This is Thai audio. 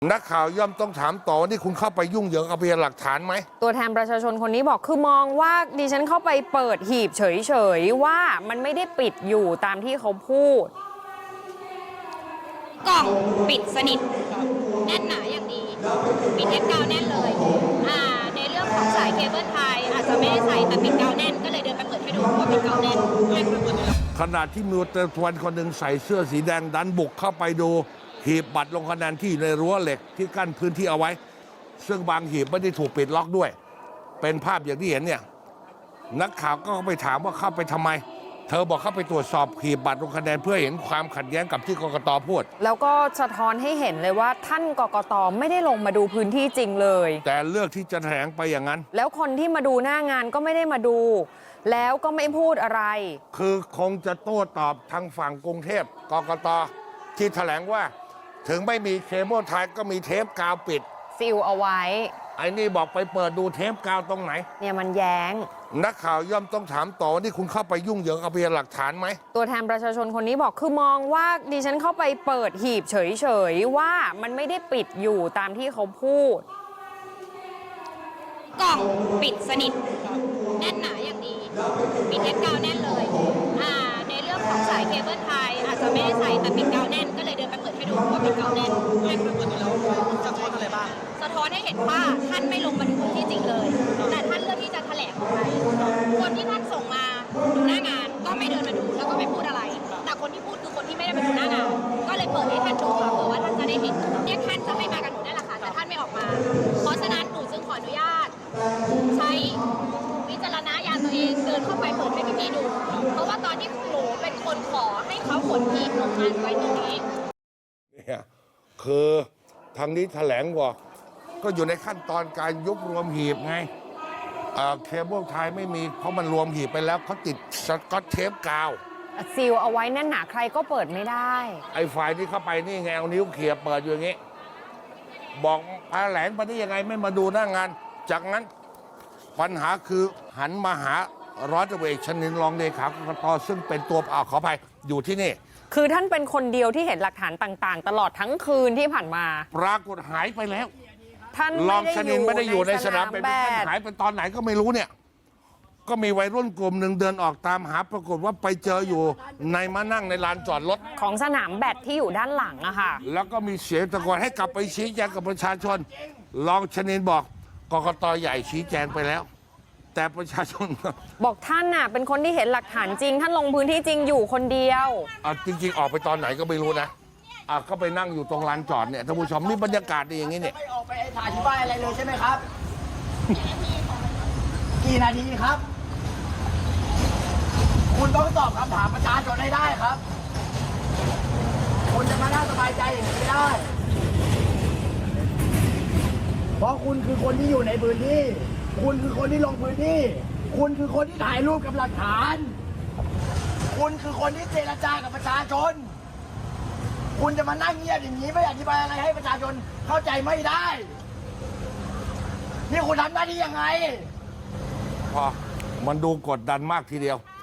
นักข่าวย่อมต้องถามต่อว่านี่คุณเข้าไปยุ่งเหยิงกับพยานหลักฐานไหมตัวแทนประชาชนคนนี้บอกคือมองว่าดิฉันเข้าไปเปิดหีบเฉยๆว่ามันไม่ได้ปิดอยู่ตามที่เขาพูดกล่องปิดสนิทแน่นหนาอย่างดีปิดเทปกาวแน่นเลยในเรื่องของสายเคเบิลไทยอาจจะไม่ได้ใส่แต่ปิดกาวแน่นก็เลยเดินไปเปิดให้ดูว่าปิดกาวแน่นขณะที่มีตำรวจคนหนึ่งใส่เสื้อสีแดงดันบุกเข้าไปดูหีบบัตรลงคะแนนที่ในรั้วเหล็กที่กั้นพื้นที่เอาไว้ซึ่งบางหีบไม่ได้ถูกปิดล็อกด้วยเป็นภาพอย่างที่เห็นเนี่ยนักข่าวก็ไปถามว่าเข้าไปทำไมเธอบอกเข้าไปตรวจสอบหีบบัตรลงคะแนนเพื่อเห็นความขัดแย้งกับที่กกต.พูดแล้วก็สะท้อนให้เห็นเลยว่าท่านกกต.ไม่ได้ลงมาดูพื้นที่จริงเลยแต่เลือกที่จะแถลงไปอย่างนั้นแล้วคนที่มาดูหน้างานก็ไม่ได้มาดูแล้วก็ไม่พูดอะไรคือคงจะโต้ตอบทางฝั่งกรุงเทพกกต.ที่แถลงว่าถึงไม่มีเคเบิลไทยก็มีเทปกาวปิดซีลเอาไว้ไอ้นี่บอกไปเปิดดูเทปกาวตรงไหนเนี่ยมันแย้งนักข่าวย่อมต้องถามต่อว่านี่คุณเข้าไปยุ่งเหยิงกับพยานหลักฐานไหมตัวแทนประชาชนคนนี้บอกคือมองว่าดิฉันเข้าไปเปิดหีบเฉยๆว่ามันไม่ได้ปิดอยู่ตามที่เขาพูดกล่องปิดสนิทแน่นหนาอย่างดีปิดเทปกาวแน่นเลยในเรื่องของสายเคเบิลไทยอาจจะไม่ได้ใส่แต่ปิดกาวแน่นก็เลยเดินไปเปิดให้ดูว่าปิดกาวแน่นสะท้อนอะไรบ้างสะท้อนให้เห็นว่าท่านไม่ลงมาดูพื้นที่จริงเลยแต่ท่านเลือกที่จะแถลงออกไปคนที่ท่านส่งมาดูหน้างานก็ไม่เดินมาดูแล้วก็ไม่พูดอะไรแต่คนที่พูดคือคนที่ไม่ได้มาดูหน้างานก็เลยเปิดให้ท่านดูค่ะเผื่อว่าท่านจะได้เห็นเนี่ยท่านจะไม่มากับหนูนั่นแหละค่ะแต่ท่านไม่ออกมาเพราะฉะนั้นหนูจึงขออนุญาตใช้วิจารณญาณตัวเองเดินเข้าไปเปิดให้พี่ๆดูเพราะว่าตอนที่หนูเป็นคนขอให้เขาขนหีบลงมาไว้ตรงนี้เนี่ยคือทางนี้แถลงว่าก็อยู่ในขั้นตอนการยุบรวมหีบไงเคเบิลไทยไม่มีเพราะมันรวมหีบไปแล้วเขาติดสกอตเทปกาวซีลเอาไว้แน่นหนาใครก็เปิดไม่ได้ไอ้ฝ่ายที่เข้าไปนี่ไงเอานิ้วเขี่ยเปิดอยู่อย่างงี้บอกแถลงไปได้ยังไงไม่มาดูหน้างานจากนั้นปัญหาคือหันมาหาร้อยตำรวจเอกชนินทร์รองเลขากกต.ซึ่งเป็นตัวขออภัยอยู่ที่นี่คือท่านเป็นคนเดียวที่เห็นหลักฐานต่างๆตลอดทั้งคืนที่ผ่านมาปรากฏหายไปแล้วท่านรองชนินทร์ไม่ได้อยู่ในสนามแบดหายไปตอนไหนก็ไม่รู้เนี่ยก็มีวัยรุ่นกลุ่มหนึ่งเดินออกตามหาปรากฏว่าไปเจออยู่ในมานั่งในลานจอดรถของสนามแบดที่อยู่ด้านหลังอะค่ะแล้วก็มีเสียงตะโกนให้กลับไปชี้แจงกับประชาชนรองชนินทร์บอกกกต.ใหญ่ชี้แจงไปแล้วแต่ประชาชนบอกท่านน่ะเป็นคนที่เห็นหลักฐานจริงท่านลงพื้นที่จริงอยู่คนเดียวจริงๆออกไปตอนไหนก็ไม่รู้นะก็ไปนั่งอยู่ตรงลานจอดเนี่ยท่านผู้ชมมีบรรยากาศดีอย่างนี้เนี่ยไม่ออกไปอธิบายอะไรเลยใช่ไหมครับกี่นาทีครับคุณต้องตอบคำถามประชาชนให้ได้ครับคุณจะมานั่งสบายใจอย่างนี้ไม่ได้เพราะคุณคือคนที่อยู่ในพื้นที่คุณคือคนที่ลงพื้นที่คุณคือคนที่ถ่ายรูปกับหลักฐานคุณคือคนที่เจรจากับประชาชนคุณจะมานั่งเงียบอย่างนี้ไม่อธิบายอะไรให้ประชาชนเข้าใจไม่ได้นี่คุณทำหน้าที่ยังไงพอมันดูกดดันมากทีเดียว